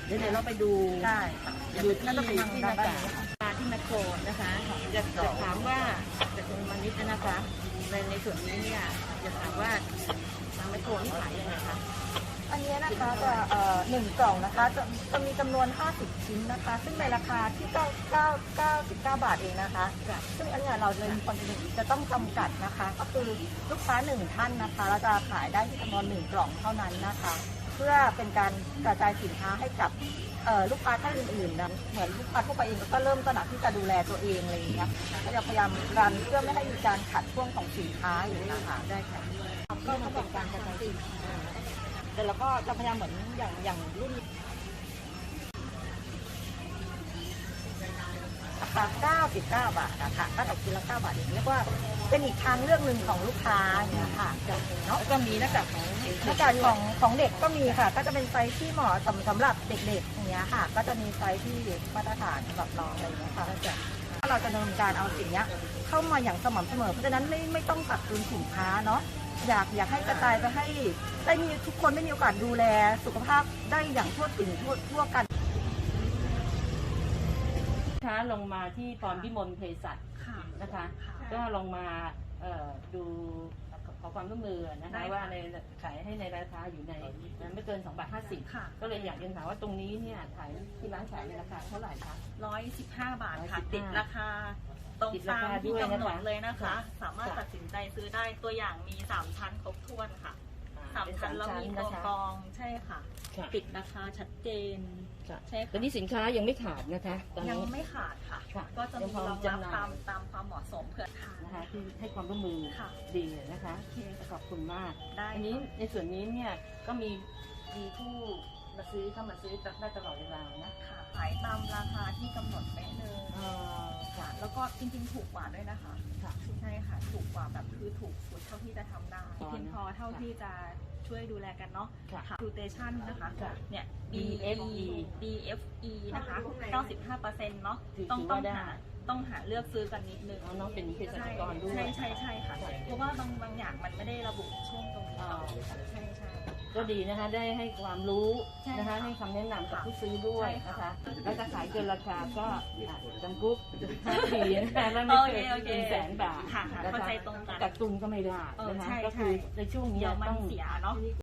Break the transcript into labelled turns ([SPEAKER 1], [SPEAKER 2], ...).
[SPEAKER 1] เดี๋ยวเราไปดู
[SPEAKER 2] ได้ค่ะ
[SPEAKER 1] ดูที่
[SPEAKER 2] น่าจะเป็นทาง
[SPEAKER 1] ที่
[SPEAKER 2] ด้า
[SPEAKER 1] หน้าน
[SPEAKER 2] ด้าน
[SPEAKER 1] กาก
[SPEAKER 2] นี้ค่ะ
[SPEAKER 1] มาที่แมคโครนะคะจะถามว่าจากคุณมานิดนะคะในส่วนนี้เนี่ยจะถามว่าทางแมคโครนี่ขายยังไงคะ
[SPEAKER 2] อันนี้นะคะจะ1 กล่องนะคะจะมีจำนวน 50 ชิ้นนะคะ ซึ่งในราคาที่99 บาทเองนะคะ ซึ่งอันนี้เราเลยมีความจำเป็นจะต้องจำกัดนะคะ ก็คือลูกค้า1ท่านนะคะเราจะขายได้ที่จำนวน1 กล่องเท่านั้นนะคะ เพื่อเป็นการกระจายสินค้าให้กับลูกค้าท่านอื่นๆนะเหมือนลูกค้าทั่วไปเองก็เริ่มตระหนักที่จะดูแลตัวเองอะไรอย่างเงี้ยก็จะพยายามรันเพื่อไม่ให้มีการขัดช่วงของสินค้าอยู่นะคะ
[SPEAKER 1] ได้ค่ะก็มันเป็นการกระจายสินค้า
[SPEAKER 2] แต่เราก็จะพยายามเหมือนอย่างรุ่นราคา99 บาทนะคะก็ตกชิ้นละ9 บาทอย่างเรียกว่าเป็นอีกทางเลือกหนึ่งของลูกค้าเนี่ยค่ะเนาะ
[SPEAKER 1] แล้วก็มีหน้ากากของ
[SPEAKER 2] หน้ากากของเด็กก็มีค่ะ ก็จะเป็นไซส์ที่เหมาะสำหรับเด็กๆอย่างเงี้ยค่ะ ก็จะมีไซส์ที่มาตรฐานสำหรับน้องอะไรอย่างเงี้ยค่ะถ้าเราจะดำเนินการเอาสิ่งเนี้ยเข้ามาอย่างสม่ำเสมอเพราะฉะนั้นไม่ต้องตัดทุนสินค้าเนาะอยากให้กระจายไปให้ได้มีทุกคนได้มีโอกาสดูแลสุขภาพได้อย่างทั่วถึงทั่วกัน
[SPEAKER 1] ค้าลงมาที่พรพิมลเภสัชนะคะก็ลงมาดูขอความร่วมมือนะคะว่าในขายให้ในราคาอยู่ในไม่เกิน2.50 บาทก็เลยอยากเรียนถามว่าตรงนี้เนี่ยขายที่ร้านขายในราคาเท่าไหร่คะ
[SPEAKER 3] 115 บาทค่ะ
[SPEAKER 1] 115
[SPEAKER 3] ติดราคาตรงตามที่กำหนดเลยนะคะ สามารถตัดสินใจซื้อได้ตัวอย่างมี3ชั้นครบถ้วนค่ะ3ชั้นแล้วมีตัวกรองใช่ค่ะติดราคาชัดเจนใช่
[SPEAKER 1] ตอนนี้สินค้ายังไม่ขาดนะคะตอน
[SPEAKER 3] ยัง
[SPEAKER 1] นี้
[SPEAKER 3] ไม่ขาดค่ะ
[SPEAKER 1] ค่ะ
[SPEAKER 3] ก็จะมี
[SPEAKER 1] ยังพอ
[SPEAKER 3] รองรับ
[SPEAKER 1] จำหน่าย
[SPEAKER 3] ตามความเหมาะสมเผื่อทาน
[SPEAKER 1] นะคะที่ให้ความร่วมมือ
[SPEAKER 3] ค่ะ
[SPEAKER 1] ดีนะคะขอบคุณมาก
[SPEAKER 3] ได้
[SPEAKER 1] อันนี้ในส่วนนี้เนี่ยก็มีผู้มาซื้อเข้ามาซื้อได้ตลอดเวลานะ
[SPEAKER 3] ค่ะขายตามราคาที่กำหนดเป๊ะเลย
[SPEAKER 1] ค่ะ
[SPEAKER 3] แล้วก็จริงๆถูกกว่าด้วยนะคะ
[SPEAKER 1] ค่ะ
[SPEAKER 3] ใช่ค่ะถูกกว่าแบบคือถูกสุดเท่าที่จะทำได้
[SPEAKER 1] อ๋อ
[SPEAKER 3] เพียงพอเท่าที่จะช่วยดูแลกันเนาะ
[SPEAKER 1] ค่ะ
[SPEAKER 3] ดูเตชันนะคะ
[SPEAKER 1] ค่ะ
[SPEAKER 3] เนี่ย
[SPEAKER 1] BFE
[SPEAKER 3] BFE นะคะ 95%เนาะ
[SPEAKER 1] ถือ
[SPEAKER 3] ต้อง
[SPEAKER 1] ว่าได้
[SPEAKER 3] ต้องหาเลือกซื้อกันนิดนึง
[SPEAKER 1] น้องเป็นเภสัชกรด้วย
[SPEAKER 3] ใช่ค่ะ เพราะว่าบางอย่างมันไม่ได้ระบุช่วงตรงนี้
[SPEAKER 1] อ๋อ
[SPEAKER 3] ใช่
[SPEAKER 1] ก็ดีนะคะได้ให้ความรู้
[SPEAKER 3] ใช่
[SPEAKER 1] นะคะ
[SPEAKER 3] ค่ะ
[SPEAKER 1] ให้คำแนะนำกับผู้ซื้อด้วย
[SPEAKER 3] ใช่
[SPEAKER 1] นะ
[SPEAKER 3] ค่ะ
[SPEAKER 1] คะแล้วจะขายเกินราคาก็จำคุก5 ปีนะคะแล้วไม่เกิน
[SPEAKER 3] โอเค
[SPEAKER 1] 100,000 บาท
[SPEAKER 3] ค่ะ
[SPEAKER 1] นะคะ
[SPEAKER 3] เข้าใจตรงกัน
[SPEAKER 1] กักตุนก็ไม่ได้นะคะ
[SPEAKER 3] ใช่
[SPEAKER 1] ก็คือในช่วงนี้
[SPEAKER 3] เดี๋ยวมั
[SPEAKER 1] ต้
[SPEAKER 3] น
[SPEAKER 1] อง
[SPEAKER 3] เสียเนาะ